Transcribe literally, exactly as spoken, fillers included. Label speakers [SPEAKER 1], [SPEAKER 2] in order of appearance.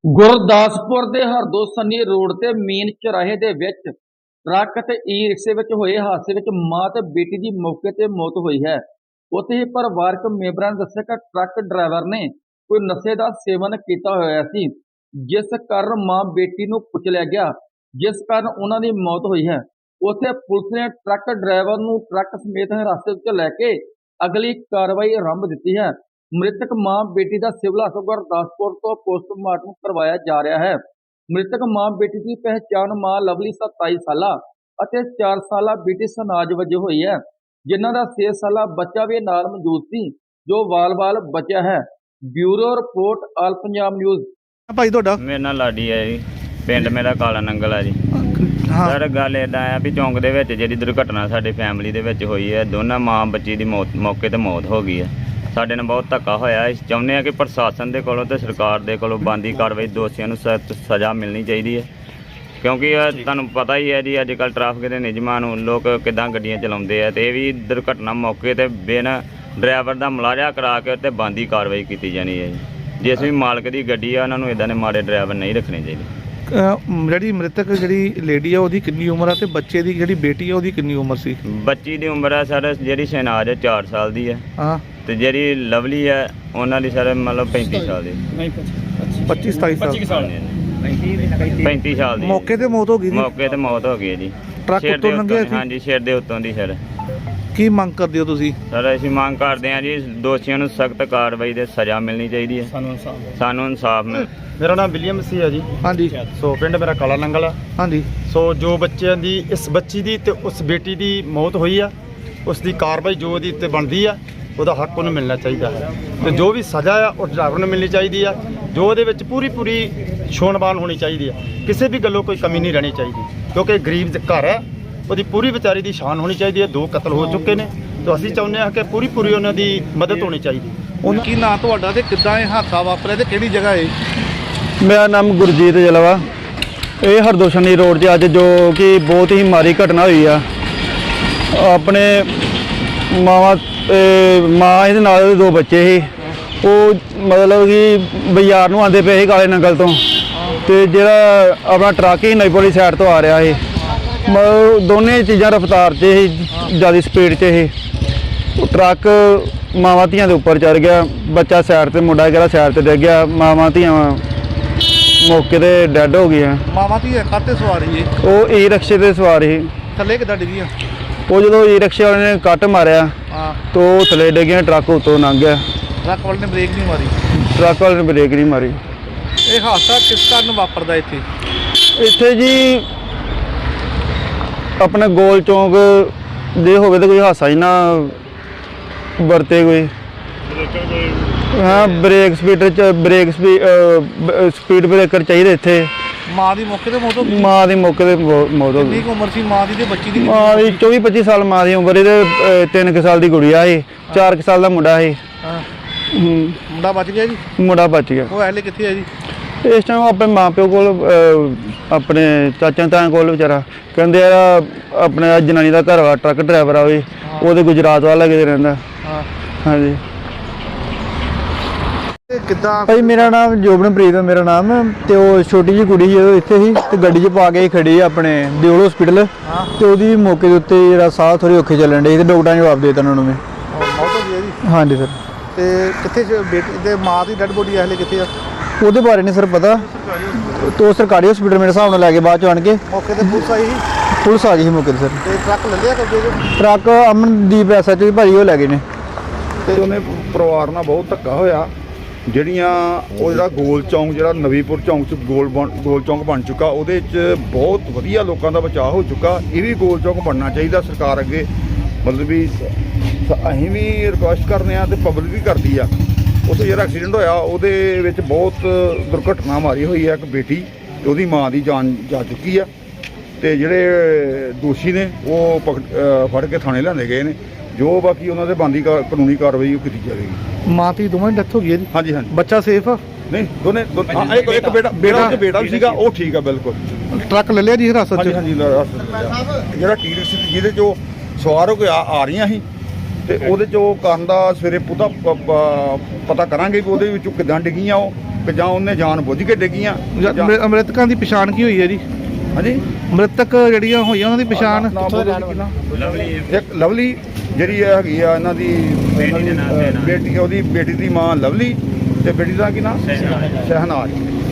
[SPEAKER 1] ਗੁਰਦਾਸਪੁਰ ਦੇ ਹਰਦੋ ਸੰਨੀ ਰੋਡ ਤੇ ਮੇਨ ਚੌਰਾਹੇ ਦੇ ਵਿੱਚ ਟਰੱਕ ਤੇ ਈ ਰਿਕਸ਼ੇ ਵਿੱਚ ਹੋਏ ਹਾਦਸੇ ਵਿੱਚ ਮਾਂ ਤੇ ਬੇਟੀ ਦੀ ਮੌਕੇ ਤੇ ਮੌਤ ਹੋਈ ਹੈ। ਉੱਥੇ ਹੀ ਪਰਿਵਾਰਕ ਮੈਂਬਰਾਂ ਨੇ ਦੱਸਿਆ ਕਿ ਟਰੱਕ ਡਰਾਈਵਰ ਨੇ ਕੋਈ ਨਸ਼ੇ ਦਾ ਸੇਵਨ ਕੀਤਾ ਹੋਇਆ ਸੀ, ਜਿਸ ਕਾਰਨ ਮਾਂ ਬੇਟੀ ਨੂੰ ਕੁਚਲਿਆ ਗਿਆ, ਜਿਸ ਕਾਰਨ ਉਹਨਾਂ ਦੀ ਮੌਤ ਹੋਈ ਹੈ। ਉੱਥੇ ਪੁਲਿਸ ਨੇ ਟਰੱਕ ਡਰਾਈਵਰ ਨੂੰ ਟਰੱਕ ਸਮੇਤ ਹਿਰਾਸਤ ਵਿੱਚ ਲੈ ਕੇ ਅਗਲੀ ਕਾਰਵਾਈ ਆਰੰਭ ਦਿੱਤੀ ਹੈ। ਮ੍ਰਿਤਕ ਮਾਂ ਬੇਟੀ ਦਾ ਸਿਵਲ ਹਸਪਤਾਲ ਗੁਰਦਾਸਪੁਰ ਤੋਂ ਪੋਸਟਮਾਰਟਮ ਕਰਵਾਇਆ ਜਾ ਰਿਹਾ ਹੈ। ਮ੍ਰਿਤਕ ਮਾਂ ਬੇਟੀ ਦੀ ਪਹਿਚਾਣ ਮਾਂ ਲਵਲੀ ਸਤਾਈ ਸਾਲਾ ਅਤੇ ਚਾਰ ਸਾਲਾ ਬੇਟੀ ਸਨਾਜ ਵਜੋਂ ਹੋਈ ਹੈ, ਜਿਨ੍ਹਾਂ ਦਾ ਛੇ ਸਾਲਾ ਬੱਚਾ ਵੀ ਨਾਲ ਮੌਜੂਦ ਸੀ, ਜੋ ਵਾਲ-ਵਾਲ ਬਚਿਆ ਹੈ। Bureau report, all Punjab news.
[SPEAKER 2] ਭਾਈ ਤੁਹਾਡਾ?
[SPEAKER 3] ਮੇਰਾ ਨਾਂ ਲਾਡੀ ਹੈ ਜੀ, ਪਿੰਡ ਮੇਰਾ ਕਾਲਾ ਨੰਗਲ ਹੈ ਜੀ।
[SPEAKER 2] ਹਾਂ
[SPEAKER 3] ਸਰ ਗੱਲ ਇੱਦਾਂ ਆ ਵੀ ਚੌਂਕ ਦੇ ਵਿੱਚ ਜਿਹੜੀ ਦੁਰਘਟਨਾ ਸਾਡੀ ਫੈਮਿਲੀ ਦੇ ਵਿੱਚ ਹੋਈ ਹੈ, ਦੋਨਾਂ ਮਾਂ ਬੱਚੀ ਦੀ ਮੌਤ ਮੌਕੇ ਤੇ ਮੌਤ ਹੋ ਗਈ ਹੈ। ਸਾਡੇ ਨਾਲ ਬਹੁਤ ਧੱਕਾ ਹੋਇਆ। ਅਸੀਂ ਚਾਹੁੰਦੇ ਹਾਂ ਕਿ ਪ੍ਰਸ਼ਾਸਨ ਦੇ ਕੋਲੋਂ ਤੇ ਸਰਕਾਰ ਦੇ ਕੋਲੋਂ ਬਣਦੀ ਕਾਰਵਾਈ, ਦੋਸ਼ੀਆਂ ਨੂੰ ਸਖਤ ਸਜ਼ਾ ਮਿਲਣੀ ਚਾਹੀਦੀ ਹੈ, ਕਿਉਂਕਿ ਇਹ ਤੁਹਾਨੂੰ ਪਤਾ ਹੀ ਹੈ ਜੀ ਅੱਜ ਕੱਲ੍ਹ ਟ੍ਰੈਫਿਕ ਦੇ ਨਿਯਮਾਂ ਨੂੰ ਲੋਕ ਕਿੱਦਾਂ ਗੱਡੀਆਂ ਚਲਾਉਂਦੇ ਆ, ਅਤੇ ਇਹ ਵੀ ਦੁਰਘਟਨਾ ਮੌਕੇ 'ਤੇ ਬਿਨ ਡਰਾਈਵਰ ਦਾ ਮੁਲਾਜ਼ਾ ਕਰਾ ਕੇ ਉੱਤੇ ਬਣਦੀ ਕਾਰਵਾਈ ਕੀਤੀ ਜਾਣੀ ਹੈ ਜੀ। ਜਿਸ ਵੀ ਮਾਲਕ ਦੀ ਗੱਡੀ ਆ ਉਹਨਾਂ ਨੂੰ ਇੱਦਾਂ ਦੇ ਮਾੜੇ ਡਰਾਈਵਰ ਨਹੀਂ ਰੱਖਣੇ ਚਾਹੀਦੇ।
[SPEAKER 2] ਜਿਹੜੀ ਮ੍ਰਿਤਕ ਜਿਹੜੀ ਲੇਡੀ ਆ ਉਹਦੀ ਕਿੰਨੀ ਉਮਰ ਆ ਤੇ ਬੱਚੇ ਦੀ ਜਿਹੜੀ ਬੇਟੀ ਆ ਉਹਦੀ ਕਿੰਨੀ ਉਮਰ ਸੀ?
[SPEAKER 3] ਬੱਚੀ ਦੀ ਉਮਰ ਹੈ ਸਰ ਜਿਹੜੀ ਸ਼ਹਿਨਾਜ਼ ਹੈ ਚਾਰ ਸਾਲ ਦੀ ਹੈ,
[SPEAKER 2] ਹਾਂ,
[SPEAKER 3] ਤੇ ਜਿਹੜੀ ਲਵਲੀ ਹੈ ਉਹਨਾਂ ਦੀ ਸਰ ਮਤਲਬ ਪੈਂਤੀ ਸਾਲ ਦੀ।
[SPEAKER 2] ਪੱਚੀ ਸਤਾਈ ਸਾਲ
[SPEAKER 3] ਪੈਂਤੀ ਸਾਲ ਦੀ
[SPEAKER 2] ਮੌਕੇ ਤੇ ਮੌਤ ਹੋ ਗਈ ਜੀ।
[SPEAKER 3] ਮੌਕੇ ਤੇ ਮੌਤ ਹੋ ਗਈ ਹੈ ਜੀ।
[SPEAKER 2] ਟਰੱਕ
[SPEAKER 3] ਸਿਰ
[SPEAKER 2] ਉੱਤੋਂ
[SPEAKER 3] ਦੇ
[SPEAKER 2] ਲੰਘਿਆ
[SPEAKER 3] ਉੱਤੋਂ-
[SPEAKER 2] ਸੀ?
[SPEAKER 3] ਹਾਂਜੀ, ਸਿਰ ਦੇ ਉੱਤੋਂ ਦੀ ਸਰ।
[SPEAKER 2] ਕੀ ਮੰਗ ਕਰਦੇ ਹੋ ਤੁਸੀਂ?
[SPEAKER 3] ਸਰ ਅਸੀਂ ਮੰਗ ਕਰਦੇ ਹਾਂ ਜੀ ਦੋਸ਼ੀਆਂ ਨੂੰ ਸਖਤ ਕਾਰਵਾਈ ਦੇ ਸਜ਼ਾ ਮਿਲਣੀ ਚਾਹੀਦੀ ਹੈ। ਸਾਨੂੰ ਇਨਸਾਫ ਸਾਨੂੰ ਇਨਸਾਫ ਮਿਲ।
[SPEAKER 4] ਮੇਰਾ ਨਾਮ ਵਿਲੀਅਮ ਸੀ ਹੈ ਜੀ।
[SPEAKER 2] ਹਾਂਜੀ
[SPEAKER 4] ਸੋ ਪਿੰਡ ਮੇਰਾ ਕਾਲਾ ਨੰਗਲ ਆ।
[SPEAKER 2] ਹਾਂਜੀ
[SPEAKER 4] ਸੋ ਜੋ ਬੱਚਿਆਂ ਦੀ, ਇਸ ਬੱਚੀ ਦੀ ਤੇ ਉਸ ਬੇਟੀ ਦੀ ਮੌਤ ਹੋਈ ਆ, ਉਸ ਦੀ ਕਾਰਵਾਈ ਜੋ ਉਹਦੀ ਉੱਤੇ ਬਣਦੀ ਆ, ਉਹਦਾ ਹੱਕ ਉਹਨੂੰ ਮਿਲਣਾ ਚਾਹੀਦਾ ਹੈ, ਤੇ ਜੋ ਵੀ ਸਜ਼ਾ ਆ ਉਹ ਡਰਾਈਵਰ ਨੂੰ ਮਿਲਣੀ ਚਾਹੀਦੀ ਆ, ਜੋ ਉਹਦੇ ਵਿੱਚ ਪੂਰੀ ਪੂਰੀ ਛੋਣਬਾਨ ਹੋਣੀ ਚਾਹੀਦੀ ਆ, ਕਿਸੇ ਵੀ ਗੱਲੋਂ ਕੋਈ ਕਮੀ ਨਹੀਂ ਰਹਿਣੀ ਚਾਹੀਦੀ, ਕਿਉਂਕਿ ਗਰੀਬ ਦੇ ਘਰ ਹੈ, ਉਹਦੀ ਪੂਰੀ ਵਿਚਾਰੀ ਦੀ ਸ਼ਾਨ ਹੋਣੀ ਚਾਹੀਦੀ ਹੈ। ਦੋ ਕਤਲ ਹੋ ਚੁੱਕੇ ਨੇ, ਤਾਂ ਅਸੀਂ ਚਾਹੁੰਦੇ ਹਾਂ ਕਿ ਪੂਰੀ ਪੂਰੀ ਉਹਨਾਂ ਦੀ ਮਦਦ ਹੋਣੀ ਚਾਹੀਦੀ।
[SPEAKER 2] ਉਹਨਾਂ ਕੀ ਨਾਂ ਤੁਹਾਡਾ ਤੇ ਕਿੱਦਾਂ ਇਹ ਹਾਦਸਾ ਵਾਪਰਿਆ ਤੇ ਕਿਹੜੀ ਜਗ੍ਹਾ ਹੈ?
[SPEAKER 5] ਮੇਰਾ ਨਾਮ ਗੁਰਜੀਤ ਜਲਵਾ। ਇਹ ਹਰਦੋ ਸੰਨੀ ਰੋਡ 'ਤੇ ਅੱਜ ਜੋ ਕਿ ਬਹੁਤ ਹੀ ਮਾੜੀ ਘਟਨਾ ਹੋਈ ਆ। ਆਪਣੇ ਮਾਵਾਂ ਮਾਂ ਇਹਦੇ ਨਾਲ ਉਹਦੇ ਦੋ ਬੱਚੇ ਸੀ। ਉਹ ਮਤਲਬ ਕਿ ਬਾਜ਼ਾਰ ਨੂੰ ਆਉਂਦੇ ਪਏ ਸੀ ਕਾਲੇ ਨੰਗਲ ਤੋਂ, ਅਤੇ ਜਿਹੜਾ ਆਪਣਾ ਟਰੱਕ ਹੀ ਨਈਪੁਰ ਸਾਈਡ ਤੋਂ ਆ ਰਿਹਾ ਸੀ। ਮਤਲਬ ਦੋਨੇ ਚੀਜ਼ਾਂ ਰਫਤਾਰ 'ਚ ਸੀ, ਜ਼ਿਆਦਾ ਸਪੀਡ 'ਚ ਸੀ। ਟਰੱਕ ਮਾਵਾਂ ਧੀਆਂ ਦੇ ਉੱਪਰ ਚੜ੍ਹ ਗਿਆ, ਬੱਚਾ ਸਾਈਡ 'ਤੇ, ਮੁੰਡਾ ਜਿਹੜਾ ਸਾਈਡ 'ਤੇ ਡਿੱਗ ਗਿਆ। ਮਾਵਾਂ ਧੀਆਂ ਮੌਕੇ 'ਤੇ ਡੈੱਡ ਹੋ ਗਈਆਂ।
[SPEAKER 2] ਮਾਵਾਂ ਧੀ ਕਾਹਤੇ ਸਵਾਰ ਸੀ?
[SPEAKER 5] ਉਹ ਈ ਰਿਕਸ਼ੇ 'ਤੇ ਸਵਾਰ ਸੀ।
[SPEAKER 2] ਥੱਲੇ ਕਿੱਦਾਂ ਡਿੱਗੀਆਂ?
[SPEAKER 5] ਉਹ ਜਦੋਂ ਈ ਰਿਕਸ਼ੇ ਵਾਲੇ ਨੇ ਕੱਟ ਮਾਰਿਆ
[SPEAKER 2] ਹਾਂ,
[SPEAKER 5] ਤਾਂ ਉਹ ਥੱਲੇ ਡਿੱਗੀਆਂ, ਟਰੱਕ ਉੱਤੋਂ ਲੰਘ ਗਿਆ।
[SPEAKER 2] ਟਰੱਕ ਵਾਲੇ ਨੇ ਬ੍ਰੇਕ ਨਹੀਂ ਮਾਰੀ?
[SPEAKER 5] ਟਰੱਕ ਵਾਲੇ ਨੇ ਬ੍ਰੇਕ ਨਹੀਂ ਮਾਰੀ।
[SPEAKER 2] ਇਹ ਹਾਦਸਾ ਕਿਸ ਕਾਰਨ ਵਾਪਰਦਾ ਇੱਥੇ?
[SPEAKER 5] ਇੱਥੇ ਜੀ ਆਪਣਾ ਗੋਲ ਚੌਂਕ ਦੇ ਹੋਵੇ ਤਾਂ ਕੋਈ ਹਾਦਸਾ ਹੀ ਨਾ ਵਰਤੇ ਕੋਈ। ਹਾਂ, ਬ੍ਰੇਕ ਸਪੀਡਰ 'ਚ ਬ੍ਰੇਕ ਸਪੀਡ ਬ੍ਰੇਕਰ ਚਾਹੀਦੇ ਇੱਥੇ।
[SPEAKER 2] ਮਾਂ ਦੀ ਮੌਕੇ ਤੇ ਮੌਤ ਹੋ ਗਈ?
[SPEAKER 5] ਮਾਂ ਦੀ ਮੌਕੇ 'ਤੇ ਮੌ- ਮੌਤ ਹੋ
[SPEAKER 2] ਕਿੰਨੀ
[SPEAKER 5] ਗਈ।
[SPEAKER 2] ਕੁ ਉਮਰ ਸੀ ਮਾਂ ਦੀ ਤੇ ਬੱਚੀ ਦੀ?
[SPEAKER 5] ਮਾਂ ਦੀ ਚੌਵੀ ਪੱਚੀ ਸਾਲ ਮਾਂ ਦੀ ਉਮਰ। ਇਹਦੇ ਅਹ, ਤਿੰਨ ਕੁ ਸਾਲ ਦੀ ਗੁੜੀਆ ਸੀ, ਚਾਰ ਕੁ ਸਾਲ ਦਾ ਮੁੰਡਾ ਸੀ।
[SPEAKER 2] ਹਾਂ,
[SPEAKER 5] ਹੂੰ,
[SPEAKER 2] ਮੁੰਡਾ ਬਚ ਗਿਆ ਜੀ?
[SPEAKER 5] ਮੁੰਡਾ ਬਚ ਗਿਆ।
[SPEAKER 2] ਉਹ ਐਲੇ ਕਿੱਥੇ ਹੈ ਜੀ?
[SPEAKER 5] ਇਸ ਟਾਈਮ ਆਪਣੇ ਮਾਂ ਪਿਓ ਕੋਲ, ਅਹ, ਆਪਣੇ ਚਾਚਾ ਤਾਇਆ ਕੋਲ ਵਿਚਾਰਾ। ਕਹਿੰਦੇ ਆ ਆਪਣੇ ਆਹ ਜਨਾਨੀ ਦਾ ਘਰ ਵਾ ਟਰੱਕ ਡਰਾਈਵਰ ਆ, ਉਹ ਉਹਦੇ ਗੁਜਰਾਤ ਵੱਲ ਲੱਗੇ ਰਹਿੰਦਾ।
[SPEAKER 2] ਹਾਂ,
[SPEAKER 5] ਹਾਂਜੀ
[SPEAKER 2] ਇਹ ਕਿੱਦਾਂ?
[SPEAKER 5] ਭਾਈ ਮੇਰਾ ਨਾਮ ਜੋਬਨਪ੍ਰੀਤ ਹੈ, ਮੇਰਾ ਨਾਮ। ਤੇ ਉਹ ਛੋਟੀ ਜਿਹੀ ਕੁੜੀ ਜਦੋਂ ਇੱਥੇ ਸੀ ਤੇ ਗੱਡੀ 'ਚ ਪਾ ਕੇ ਖੜੀ ਆਪਣੇ ਦਿਓਲ ਹਸਪੀਟਲ,
[SPEAKER 2] ਹਾਂ,
[SPEAKER 5] ਤੇ ਉਹਦੀ ਮੌਕੇ ਦੇ ਉੱਤੇ ਜਿਹੜਾ ਸਾਹ ਥੋੜ੍ਹੇ ਔਖੇ ਚੱਲਣ ਡੇ ਤੇ ਡਾਕਟਰਾਂ ਨੇ ਜਵਾਬ ਦੇ ਦਿੱਤਾ ਉਹਨਾਂ ਨੂੰ। ਮੈਂ
[SPEAKER 2] ਮੌਤ ਹੋ ਗਈ ਹੈ ਜੀ?
[SPEAKER 5] ਹਾਂਜੀ ਸਰ।
[SPEAKER 2] ਤੇ ਕਿੱਥੇ ਜ- ਬੇਟੀ ਤੇ ਮਾਂ ਦੀ ਡੈਡ ਬੋਡੀ ਐਲੇ ਕਿੱਥੇ ਆ?
[SPEAKER 5] ਉਹਦੇ ਬਾਰੇ ਨਹੀਂ ਸਰ ਪਤਾ। ਤੋ ਸਰਕਾਰੀ ਹਸਪੀਟਲ ਮੇਰੇ ਹਿਸਾਬ ਨਾਲ ਲੈ ਕੇ ਬਾਅਦ 'ਚ ਆਣ ਕੇ
[SPEAKER 2] ਮੌਕੇ ਤੇ ਪੁਲਿਸ ਆਈ ਸੀ?
[SPEAKER 5] ਪੁਲਿਸ ਆ ਗਈ ਸੀ ਮੌਕੇ 'ਤੇ ਸਰ।
[SPEAKER 2] ਤੇ ਟਰੱਕ ਲੱਲਿਆ ਕਬਜ਼ੇ 'ਚ?
[SPEAKER 5] Truck Amandeep S H O ਭਾਈ ਉਹ ਲੈ ਗਏ ਨੇ।
[SPEAKER 6] ਤੇ ਉਹਨੇ ਪਰਿਵਾਰ ਨਾਲ ਬਹੁਤ ਧੱਕਾ ਹੋਇਆ। ਜਿਹੜੀਆਂ ਉਹ ਜਿਹੜਾ ਗੋਲ ਚੌਂਕ, ਜਿਹੜਾ ਨਵੀਂਪੁਰ ਚੌਂਕ 'ਚ ਗੋਲ ਬਣ ਗੋਲ ਚੌਂਕ ਬਣ ਚੁੱਕਾ, ਉਹਦੇ 'ਚ ਬਹੁਤ ਵਧੀਆ ਲੋਕਾਂ ਦਾ ਬਚਾਅ ਹੋ ਚੁੱਕਾ। ਇਹ ਵੀ ਗੋਲ ਚੌਂਕ ਬਣਨਾ ਚਾਹੀਦਾ ਸਰਕਾਰ ਅੱਗੇ। ਮਤਲਬ ਵੀ ਅਸੀਂ ਵੀ ਰਿਕੁਐਸਟ ਕਰਦੇ ਹਾਂ ਤੇ ਪਬਲਿਕ ਵੀ ਕਰਦੀ ਆ। ਉੱਥੇ ਜਿਹੜਾ ਐਕਸੀਡੈਂਟ ਹੋਇਆ ਉਹਦੇ ਵਿੱਚ ਬਹੁਤ ਦੁਰਘਟਨਾ ਮਾਰੀ ਹੋਈ ਹੈ। ਇੱਕ ਬੇਟੀ ਤੇ ਉਹਦੀ ਮਾਂ ਦੀ ਜਾਨ ਜਾ ਚੁੱਕੀ ਆ, ਤੇ ਜਿਹੜੇ ਦੋਸ਼ੀ ਨੇ ਉਹ ਪਕੜ ਅ, ਫੜ ਕੇ ਥਾਣੇ ਲਿਆਂਦੇ ਗਏ ਨੇ। ਜੋ ਬਾਕੀ ਉਹਨਾਂ ਦੇ ਬਣਦੀ ਕਾਨੂੰਨੀ ਕਾਰਵਾਈ ਉਹ ਕੀਤੀ ਜਾਵੇਗੀ।
[SPEAKER 2] ਮਾਂ ਦੀ ਦੋਵਾਂ ਦੀ ਡੈਥ ਹੋ ਗਈ ਹੈ ਜੀ?
[SPEAKER 6] ਹਾਂਜੀ ਹਾਂਜੀ।
[SPEAKER 2] ਬੱਚਾ ਸੇਫ ਆ?
[SPEAKER 6] ਨਹੀਂ, ਦੋਨੇ ਦੋ- ਹਾਂ, ਇੱਕ ਇੱਕ ਬੇਟਾ ਬੇਟਾ ਤੇ ਬੇਟਾ ਵੀ ਸੀਗਾ, ਉਹ ਠੀਕ ਆ ਬਿਲਕੁਲ।
[SPEAKER 2] ਟਰੱਕ ਲੱਲਿਆ ਜੀ ਹਿਰਾਸਤ 'ਚ?
[SPEAKER 6] ਹਾਂਜੀ ਹਾਂਜੀ। ਜਿਹੜਾ ਟੀ ਰਿਕਸ਼ਾ ਜਿਹਦੇ 'ਚੋਂ ਸਵਾਰ ਹੋ ਕੇ ਆ ਆ ਰਹੀਆਂ ਸੀ, ਤੇ ਉਹਦੇ 'ਚ ਉਹ ਕਾਰਨ ਦਾ ਸਵੇਰੇ ਪੂਰਾ ਪ- ਪ- ਪਤਾ ਕਰਾਂਗੇ ਕਿ ਉਹਦੇ ਵਿੱਚੋਂ ਕਿੱਦਾਂ ਡਿੱਗੀਆਂ ਉਹ ਕਿ ਜਾਂ ਉਹਨੇ ਜਾਣ ਬੁੱਝ ਕੇ ਡਿੱਗੀਆਂ ਜਾਂ-
[SPEAKER 2] ਮ੍ਰਿ- ਮ੍ਰਿਤਕਾਂ ਦੀ ਪਛਾਣ ਕੀ ਹੋਈ ਹੈ ਜੀ?
[SPEAKER 6] ਹਾਂਜੀ
[SPEAKER 2] ਮ੍ਰਿਤਕ ਜਿਹੜੀਆਂ ਹੋਈਆਂ ਉਹਨਾਂ ਦੀ ਪਛਾਣ?
[SPEAKER 6] ਨਾਮ ਬੋਲੋ ਜੀ ਕਿੰਨਾ? ਇੱਕ ਲਵਲੀ ਜਿਹੜੀ ਇਹ ਹੈਗੀ ਆ ਇਹਨਾਂ ਦੀ ਇਹਨਾਂ ਦੀ, ਅ, ਬੇਟੀ ਉਹਦੀ ਬੇਟੀ ਦੀ ਮਾਂ ਲਵਲੀ ਤੇ ਬੇਟੀ ਦਾ ਕੀ ਨਾਮ ਸ਼ਹਿਨਾਜ਼।